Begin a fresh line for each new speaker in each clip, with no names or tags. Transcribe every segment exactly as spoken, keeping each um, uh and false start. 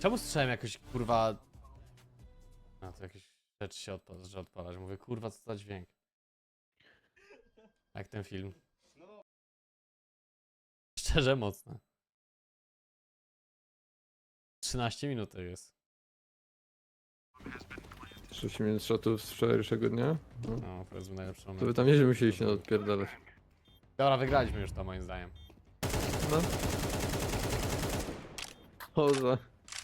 Czemu słyszałem jakoś, kurwa... A, to jakieś rzeczy się odpala, że odpalać. Mówię, kurwa, co za dźwięk. Jak ten film. Szczerze mocne. trzynaście minut to jest.
trzydzieści minut shotów z wczorajszego dnia. No.
No, powiedzmy najlepszy moment.
To wy tam nieźle musieli się odpierdalać.
Dobra, wygraliśmy już to moim zdaniem.
No. Poza.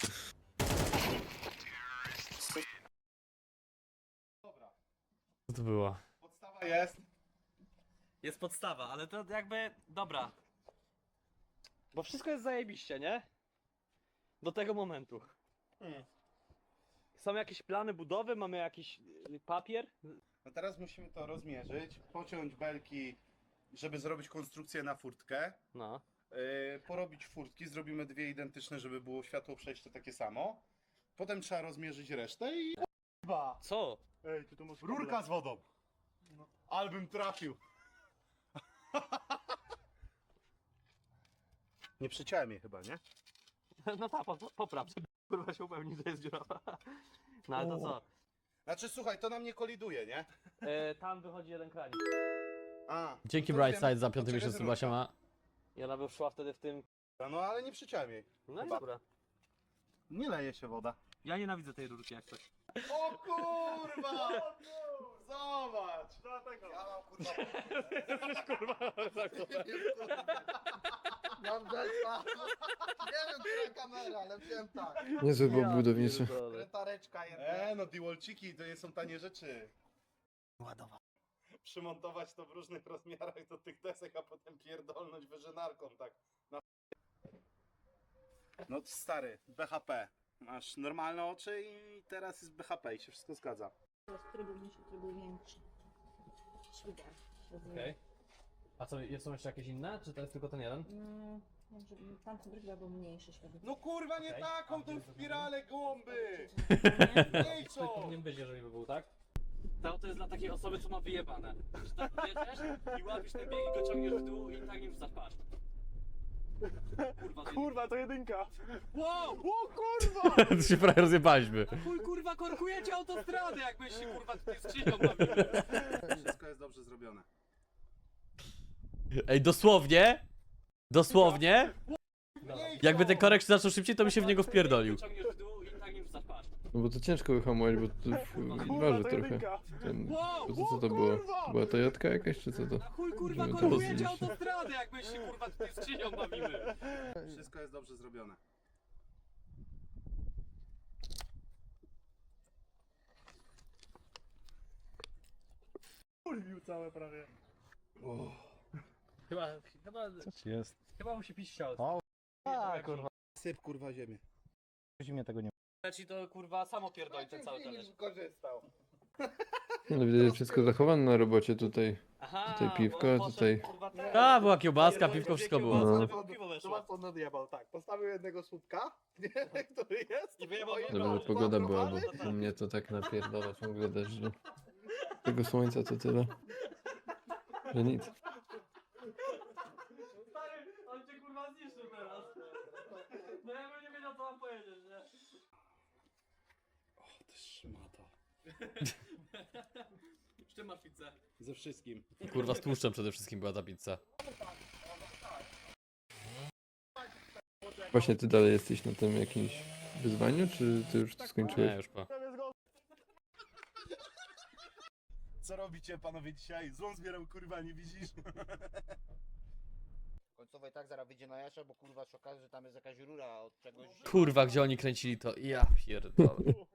Co to było?
Podstawa jest.
Jest podstawa, ale to jakby... Dobra. Bo wszystko jest zajebiście, nie? Do tego momentu.
Hmm.
Są jakieś plany budowy, mamy jakiś y, papier.
No teraz musimy to rozmierzyć, pociąć belki, żeby zrobić konstrukcję na furtkę.
No.
Yy, porobić furtki, zrobimy dwie identyczne, żeby było światło przejście takie samo. Potem trzeba rozmierzyć resztę i... Chyba!
Co?
Ej, ty to masz rurka z wodą! No. Albym trafił! Nie przeciąłem je chyba, nie?
No tak, po, popraw, żeby kurwa się upewnić, że jest dziurawa. No ale to co?
Znaczy słuchaj, to nam nie koliduje, nie?
E, tam wychodzi jeden kranik.
A,
Dzięki
no to
Brightside
wiem,
za piąty
to
miesiąc
czekaj,
chyba
rurka.
się ma.
I ona by szła wtedy w tym...
No ale nie przeciąłem jej.
No i
Chyba.
dobra.
Nie leje się woda.
Ja nienawidzę tej rurki jak coś.
O kurwa! Zobacz! Ja mam kurwa...
kurwa,
Mam delta. Nie wiem, która kamera, ale wiem tak.
Niezły był budowniczy.
Kretareczka jedna.
E, no Diwalciki to nie są tanie rzeczy.
Ładowa.
Przymontować to w różnych rozmiarach do tych desek, a potem pierdolnąć wyżynarką, tak. Na... No stary, B H P. Masz normalne oczy i teraz jest B H P i się wszystko zgadza.
Z trybu mniejszy, trybu większy. Świder.
Okej. A co, są jeszcze jakieś inne? Czy to jest tylko ten jeden?
Mm, może tamten drugi albo mniejszy światło.
No kurwa, nie
Okej.
taką
A
tą
gdzie
spiralę głąby!
Nie?
Ej co?
Powinien być, jeżeli by był, tak?
To, to jest dla takiej osoby, co ma wyjebane. Że tak jedziesz i łapisz ten bieg i go ciągniesz w dół i tak nie wrzucasz, patrz. Kurwa,
Kurwa, to jedynka!
wow!
O kurwa!
To się prawie rozjebaliśmy.
Chuj kurwa, korkujecie autostradę, jakbyś się kurwa tutaj skrzynią bawili.
Wszystko jest dobrze zrobione.
Ej, dosłownie? Dosłownie?
Ej,
Jakby
co?
ten korek się zaczął szybciej, to by się w niego wpierdolił.
Ciągniesz w dół i tak nie wrzucasz, patrz.
No bo to ciężko wyhamować, bo to w- waży trochę. Ten, bo to co to było? To była Toyotka jakaś, czy co to?
Chuj kurwa,
Żeby to
korkujecie
rozliczyć.
autostradę, jakbyś się kurwa tutaj skrzynią bawimy.
Wszystko jest dobrze zrobione. Kurwił całe prawie.
Chyba, chyba,
Co ci jest?
chyba mu się pić chciało.
O,
A,
kurwa.
Syp kurwa ziemię.
Zimnie tego nie
Ci to kurwa samo pierdoli ten cały talerz.
Korzystał.
No widać, że wszystko zachowane na robocie tutaj.
Aha,
Tutaj piwko,
bo poszedł,
tutaj-
kurwa, ten-
A, była kiełbaska,
pierdolił
piwko,
dwie
wszystko było.
kiełbasy,
No.
żeby piwo weszło.
Zobacz, co nadjebał, tak. Postawił jednego słupka, nie, który jest.
I wyjebał
Oj,
drugiego.
Dobra,
Dobra,
pogoda była,
no
bo
tak.
u mnie to tak napierdala ciągle deszcz, że tego słońca to tyle, że nic.
Stary, on cię kurwa zniszczył teraz. No ja bym nie wiedział co mam powiedzieć, nie?
O, ty szmato.
Z czym masz pizzę?
Ze wszystkim.
Kurwa, z tłuszczem przede wszystkim była ta pizza.
Właśnie ty dalej jesteś na tym jakimś wyzwaniu, czy ty już to
Nie,
skończyłeś?
już po.
Co robicie panowie dzisiaj? Złą zbieram kurwa, nie widzisz?
Końcowo i tak zaraz wyjdzie na jasze, bo kurwa się okaże, że tam jest jakaś rura od czegoś.
Kurwa, gdzie oni kręcili to? Ja pierdolę.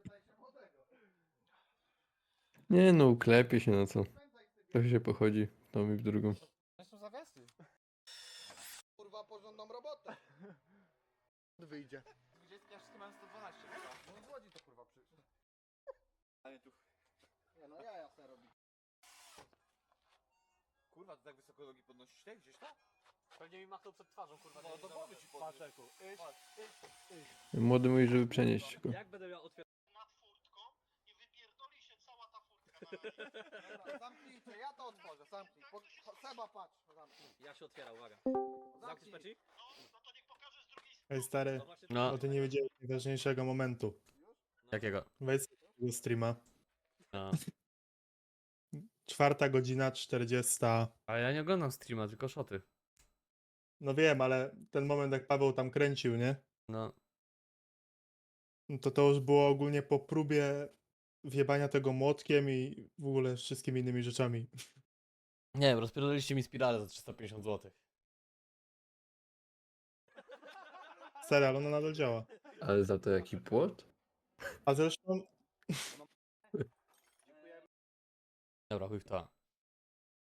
Nie no, uklepie się na co. Trochę się pochodzi w tą i w drugą.
To są zawiasy. Kurwa porządną robotę. Wyjdzie. dwadzieścia wszystkie mają sto dwanaście chyba. No z Łodzi to kurwa przy...
Ale tu.
Nie no, ja jasne robi.
Kurwa, ty tak wysoko nogi podnosisz te gdzieś tam? Pewnie mi machnął przed twarzą, kurwa. No to głowy ci podnieść.
Młody mówi, żeby przenieść go.
Jak będę miał otwierać?
Nad furtką i wypierdoli się cała ta furtka. Dobra, zamknijcie, ja to otworzę, zamknij. Po, po, Seba patrz, zamknij.
Ja się otwieram, uwaga. Zamknij
Zamknij.
peci?
Ej stary,
No,
bo ty nie wiedziałeś najważniejszego momentu.
jakiego?
Wejdź sobie do tego streama.
No.
Czwarta godzina czterdziesta.
Ale ja nie oglądam streama, tylko szoty.
No wiem, ale ten moment jak Paweł tam kręcił, nie?
No.
No to to już było ogólnie po próbie wjebania tego młotkiem i w ogóle wszystkimi innymi rzeczami.
Nie wiem, rozpierdoliście mi spiralę za trzysta pięćdziesiąt złotych.
Stary, ale ona nadal działa.
Ale za to jaki płot?
A zresztą
Dobra, chuj w to.